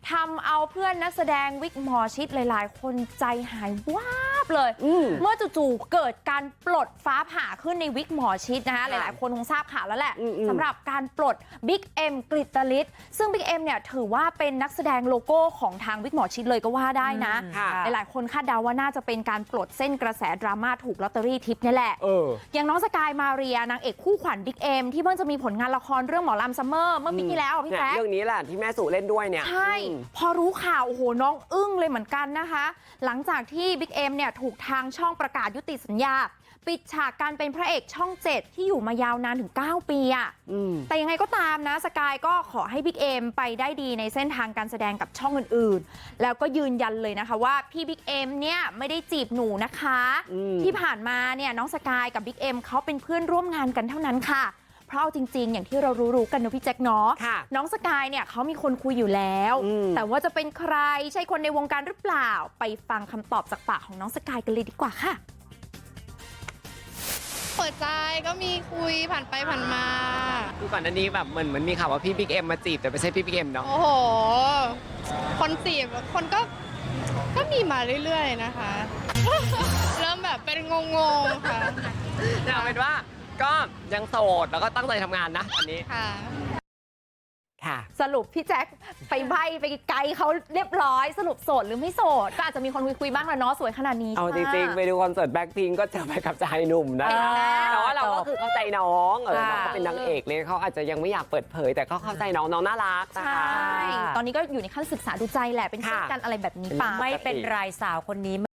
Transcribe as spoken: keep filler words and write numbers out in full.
ทำเอาเพื่อนนักแสดงวิกหมอชิดหลายๆคนใจหายวาบเลยเมื่อจู่ๆเกิดการปลดฟ้าผ่าขึ้นในวิกหมอชิดนะคะหลายๆคนคงทราบข่าวแล้วแหละสำหรับการปลดบิ๊กเอ็มกฤตฤทธิ์ซึ่งบิ๊กเอ็มเนี่ยถือว่าเป็นนักแสดงโลโก้ของทางวิกหมอชิดเลยก็ว่าได้นะหลายๆคนคาดเดาว่าน่าจะเป็นการปลดเส้นกระแสดราม่าถูกลอตเตอรี่ทิปนี่แหละอย่างน้องสกายมาเรียนางเอกคู่ขวัญบิ๊กเอ็มที่เพิ่งจะมีผลงานละครเรื่องหมอลำซัมเมอร์เมื่อปีที่แล้วพี่แจ๊คเรื่องนี้แหละที่แม่สุเล่นด้วยเนี่ยใช่พอรู้ข่าวโอ้โหน้องอึ้งเลยเหมือนกันนะคะหลังจากที่บิ๊กเอ็มเนี่ยถูกทางช่องประกาศยุติสัญญาปิดฉากการเป็นพระเอกช่องเจ็ดที่อยู่มายาวนานถึงเก้าปีอะแต่ยังไงก็ตามนะสกายก็ขอให้บิ๊กเอ็มไปได้ดีในเส้นทางการแสดงกับช่องอื่นๆแล้วก็ยืนยันเลยนะคะว่าพี่บิ๊กเอ็มเนี่ยไม่ได้จีบหนูนะคะที่ผ่านมาเนี่ยน้องสกายกับบิ๊กเอ็มเขาเป็นเพื่อนร่วมงานกันเท่านั้นค่ะเพราะเอาจริงๆอย่างที่เรารู้ๆกันนะพี่แจ็คเนาะน้องสกายเนี่ยเขามีคนคุยอยู่แล้วแต่ว่าจะเป็นใครใช่คนในวงการหรือเปล่าไปฟังคำตอบจากปากของน้องสกายกันเลยดีกว่าค่ะเปิดใจก็มีคุยผ่านไปผ่านมาคือก่อนหน้านี้แบบเหมือนเหมือนมีข่าวว่าพี่บิ๊กเอ็มมาจีบแต่ไม่ใช่พี่บิ๊กเอ็มเนาะโอ้โหคนจีบคนก็ก็มีมาเรื่อยๆนะคะเริ่มแบบเป็นงงๆค่ะเอาเป็นว่าก็ยังโสดแล้วก็ตั้งใจทำงานนะอันนี้ค่ะค่ะสรุปพี่แจ็คไปใบไปไกลเขาเรียบร้อยสรุปโสดหรือไม่โสดก็อาจจะมีคนคุยคุยบ้างแหละเนาะสวยขนาดนี้เอาจริงๆไปดูคอนเสิร์ตแบ็คพิงก็เจอไปกับชายหนุ่มนะแต่ว่าเราก็คือเข้าใจน้องเออน้องเขาเป็นนางเอกเลยเขาอาจจะยังไม่อยากเปิดเผยแต่ก็เข้าใจน้องน้องน่ารักนะคะใช่ตอนนี้ก็อยู่ในขั้นศึกษาดูใจแหละเป็นเพื่อนกันอะไรแบบนี้ไปไม่เป็นไรสาวคนนี้